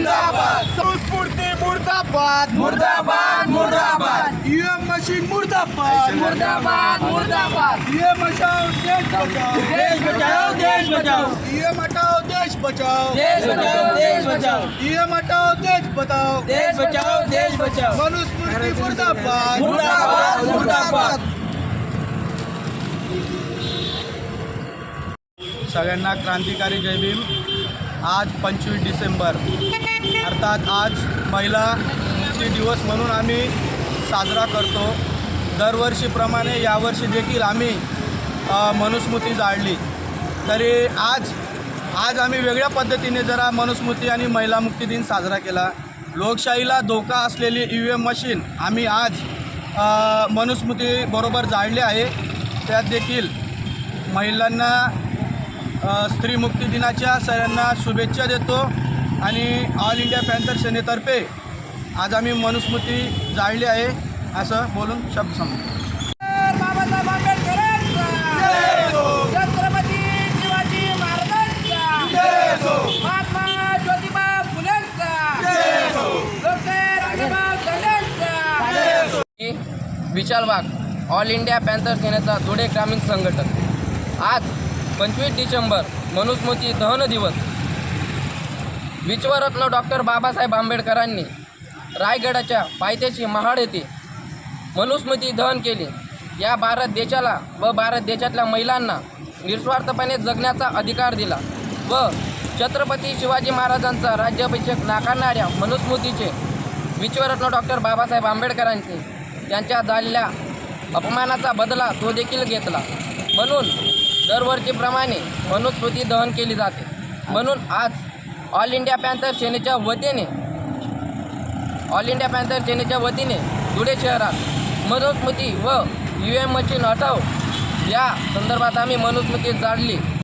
जिंदाबाद, संस्फूर्ती मुर्दाबाद, मुर्दाबाद मुर्दाबाद, ईएम मशीन मुर्दाबाद, मुर्दाबाद मुर्दाबाद, ईएम हटाओ देश बचाओ, देश बचाओ देश बचाओ, ईएम हटाओ देश बचाओ, देश बचाओ देश बचाओ, ईएम हटाओ देश बचाओ, देश बचाओ देश बचाओ, मनुस्मृती मुर्दाबाद, मुर्दाबाद मुर्दाबाद। सगळ्यांना क्रांतिकारी जय भीम। आज 25 डिसेंबर अर्थात आज महिला मुक्ती दिवस म्हणून आम्ही साजरा करतो। दरवर्षीप्रमाणे यावर्षी देखील आम्ही मनुस्मृती जाळली। तरी आज आम्ही वेगळ्या पद्धतीने जरा मनुस्मृती आणि महिला मुक्ती दिन साजरा केला। लोकशाहीला धोका असलेली ईव्हीएम मशीन आम्ही आज मनुस्मृतीबरोबर जाळली आहे। त्यात देखील महिलांना स्त्री मुक्ती दिनाच्या सगळ्यांना शुभेच्छा देतो आणि ऑल इंडिया पॅन्थर सेनेतर्फे आज आम्ही मनुस्मृती जाळली आहे असं बोलून शब्द संपतो। बाबासाहेब आंबेडकरांचा जय हो, छत्रपती शिवाजी महाराजांचा जय हो, महात्मा ज्योतिबा फुलेंचा जय हो, डॉक्टर राजेभाऊ दंडेंचा जय हो। Vishal Wagh, all India panther सेनेचा धुळे ग्रामीण संघटक। आज 25 डिसेंबर मनुस्मृती दहन दिवस। विश्वरत्न डॉक्टर बाबासाहेब आंबेडकरांनी रायगडाच्या पायथ्याशी महाड येथे मनुस्मृती दहन केली। या भारत देशाला व भारत देशातल्या महिलांना निस्वार्थपणे जगण्याचा अधिकार दिला व छत्रपती शिवाजी महाराजांचा राज्याभिषेक नाकारणाऱ्या मनुस्मृतीचे विश्वरत्न डॉक्टर बाबासाहेब आंबेडकरांनी त्यांच्या झालेल्या अपमानाचा बदला तो देखील घेतला। म्हणून दरवर्षीप्रमाणे मनुस्मृती दहन केली जाते। म्हणून आज ऑल इंडिया पॅन्थर सेनेच्या वतीने धुळे शहरात मनुस्मृती व ईव्हीएम मशीन हटाव या संदर्भात आम्ही मनुस्मृती जाळली।